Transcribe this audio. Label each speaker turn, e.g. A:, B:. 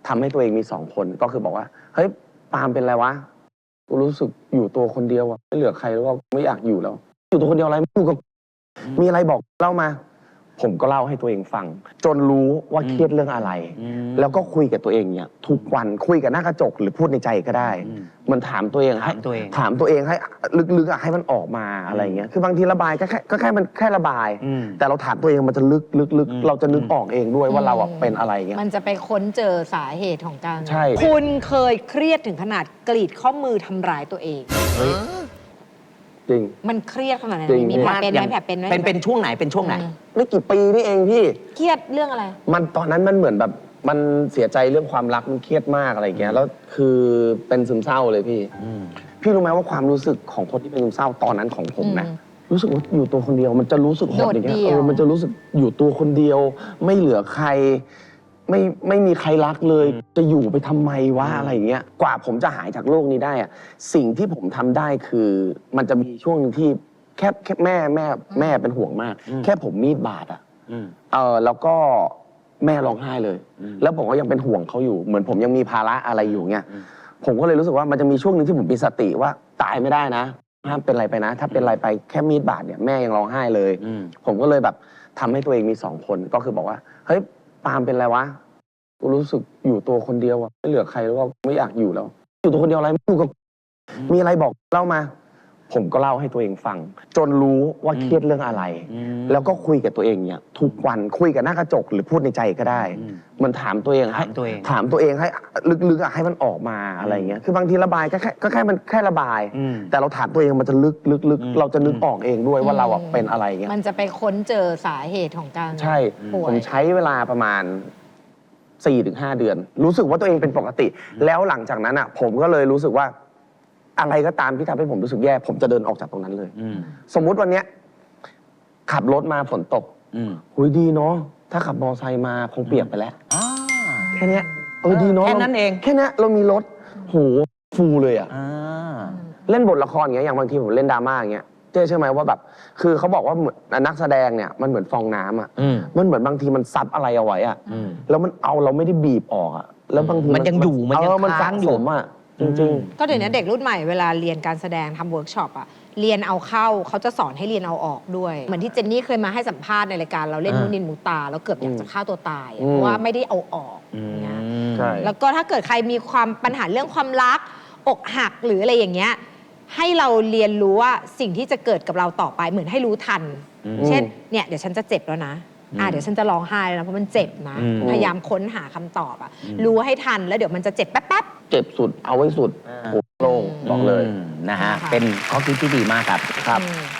A: ทำให้ตัวเองมี2 คนก็คือบอกว่าเฮ้ยปาล์มเป็นไรวะกูรู้สึกอยู่ตัวคนเดียวอะไม่เหลือใครแล้วก็ไม่อยากอยู่แล้วอยู่ตัวคนเดียวอะไรไม่อยู่กับมีอะไรบอกเล่ามาผมก็เล่าให้ตัวเองฟังจนรู้ว่าเครียดเรื่องอะไรแล้วก็คุยกับตัวเองเนี่ยทุกวันคุยกับหน้ากระจกหรือพูดในใจก็ได้มันถามตัวเองให้ถามตัวเองให้ลึกๆให้มันออกมาอะไรเงี้ยคือบางทีระบายก็แค่มันแค่ระบายแต่เราถามตัวเองมันจะลึกเราจะนึกออกเองด้วยว่าเราเป็นอะไรเงี้ย
B: มันจะไปค้นเจอสาเหตุของการ
A: ใช่
B: คุณเคยเครียดถึงขนาดกรีดข้อมือทำร้ายตัวเอง
A: จริง
B: มันเครียดขนาดไหน
A: จริง
B: มีแผลเป็นไหมแผลเป็นไหม
C: เป็นช่วงไหนเป็นช่วงไหน
A: ไม่กี่ปีนี่เองพี่
B: เครียดเรื่องอะไร
A: มันตอนนั้นมันเหมือนแบบมันเสียใจเรื่องความรักมันเครียดมากอะไรเงี้ยแล้วคือเป็นซึมเศร้าเลยพี่รู้ไหมว่าความรู้สึกของคนที่เป็นซึมเศร้าตอนนั้นของผมนะรู้สึกว่าอยู่ตัวคนเดียวมันจะรู้สึกหดอย่างเงี้ยมันจะรู้สึกอยู่ตัวคนเดียวไม่เหลือใครไม่มีใครรักเลยจะอยู่ไปทำไมวะอะไรอย่างเงี้ยกว่าผมจะหายจากโรคนี้ได้อะสิ่งที่ผมทำได้คือมันจะมีช่วงนึงที่แค่แม่เป็นห่วงมากแค่ผมมีดบาดแล้วก็แม่ร้องไห้เลยแล้วผมก็ยังเป็นห่วงเขาอยู่เหมือนผมยังมีภาระอะไรอยู่เงี้ยผมก็เลยรู้สึกว่ามันจะมีช่วงนึงที่ผมมีสติว่าตายไม่ได้นะห้ามเป็นอะไรไปนะถ้าเป็นอะไรไปแค่มีดบาดเนี่ยแม่ยังร้องไห้เลยผมก็เลยแบบทำให้ตัวเองมี2 คนก็คือบอกว่าเฮ้ยปาล์มเป็นไรวะกูรู้สึกอยู่ตัวคนเดียวอะไม่เหลือใครแล้วก็ไม่อยากอยู่แล้วอยู่ตัวคนเดียวอะไรไม่อยู่กับมีอะไรบอกเล่ามาผมก็เล่าให้ตัวเองฟังจนรู้ว่าเครียดเรื่องอะไรแล้วก็คุยกับตัวเองเนี่ยทุกวันคุยกับหน้ากระจกหรือพูดในใจก็ได้มันถามตัวเองให้ถามตัวเองให้ลึกๆให้มันออกมาอะไรเงี้ยคือบางทีระบายก็แค่มันแค่ระบายแต่เราถามตัวเองมันจะลึกเราจะนึกออกเองด้วยว่าเราเป็นอะไรเงี้ย
B: มันจะไปค้นเจอสาเหตุของการ
A: ใช่ผมใช้เวลาประมาณ4-5 เดือนรู้สึกว่าตัวเองเป็นปกติแล้วหลังจากนั้นอ่ะผมก็เลยรู้สึกว่าอะไรก็ตามที่ทำให้ผมรู้สึกแย่ผมจะเดินออกจากตรงนั้นเลยสมมุติวันเนี้ยขับรถมาฝนตกหุยดีเนาะถ้าขับมอไซค์มาคงเปียกไปแล้วแค่นี้ดีเนาะ
C: แค่นั้นเอง
A: แค่นี้เรามีรถโหฟูเลยอ่ะเล่นบทละครอย่างเงี้ยอย่างบางทีผมเล่นดราม่าอย่างเงี้ยเจ๊ใช่ไหมว่าแบบคือเขาบอกว่านักแสดงเนี่ยมันเหมือนฟองน้ำอ่ะมันเหมือนบางทีมันซับอะไรเอาไว้อ่ะแล้วมันเอาเราไม่ได้บีบออกอ่ะแล้วบางที
C: มันยังอยู่มันยังค้างอยู่
A: อ่ะจริง
B: ก็เดี๋ยวนี้เด็กรุ่นใหม่เวลาเรียนการแสดงทำเวิร์กช็อปอะเรียนเอาเข้าเขาจะสอนให้เรียนเอาออกด้วยเหมือนที่เจนนี่เคยมาให้สัมภาษณ์ในรายการเราเล่นนูนินมูตาแล้วเกือบอยากจะฆ่าตัวตายเพราะว่าไม่ได้เอาออกอย่างเงี้ยแล้วก็ถ้าเกิดใครมีความปัญหาเรื่องความรักอกหักหรืออะไรอย่างเงี้ยให้เราเรียนรู้ว่าสิ่งที่จะเกิดกับเราต่อไปเหมือนให้รู้ทันเช่นเนี่ยเดี๋ยวฉันจะเจ็บแล้วนะเดี๋ยวฉันจะร้องไห้แล้วนะเพราะมันเจ็บนะพยายามค้นหาคำตอบรู้ให้ทันแล้วเดี๋ยวมันจะเจ็บแป๊บ
A: เจ็บสุดเอาไว้สุดโล่งบอกเลย
C: นะฮะเป็นข้อคิดที่ดีมากครับ